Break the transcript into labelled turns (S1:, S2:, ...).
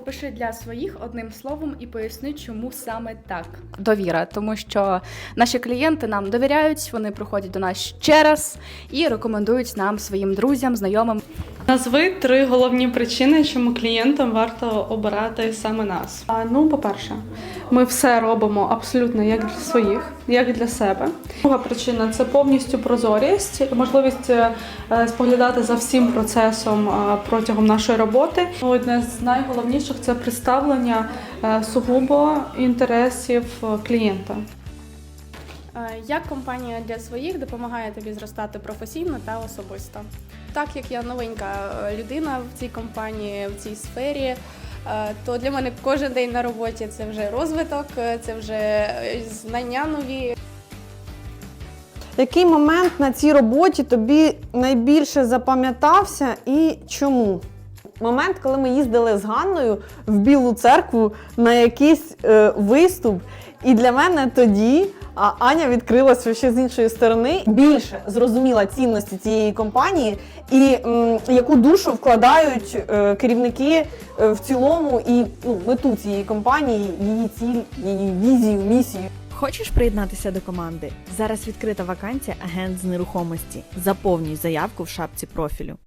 S1: Опиши для своїх одним словом і поясни, чому саме так. Довіра, тому що наші клієнти нам довіряють, вони приходять до нас ще раз і рекомендують нам своїм друзям, знайомим.
S2: Назви 3 головні причини, чому клієнтам варто обирати саме нас. По-перше, ми все робимо абсолютно як для своїх, як для себе. Друга причина – це повністю прозорість, можливість споглядати за всім процесом протягом нашої роботи. Одне з найголовніших – це представлення сугубо інтересів клієнта.
S3: Як компанія для своїх допомагає тобі зростати професійно та особисто? Так як я новенька людина в цій компанії, в цій сфері, то для мене кожен день на роботі – це вже розвиток, це вже знання нові.
S4: Який момент на цій роботі тобі найбільше запам'ятався і чому? Момент, коли ми їздили з Ганною в Білу церкву на якийсь виступ, і для мене тоді Аня відкрилася ще з іншої сторони, більше зрозуміла цінності цієї компанії і яку душу вкладають керівники в цілому і мету цієї компанії, її ціль, її візію, місію.
S5: Хочеш приєднатися до команди? Зараз відкрита вакансія агент з нерухомості. Заповнюй заявку в шапці профілю.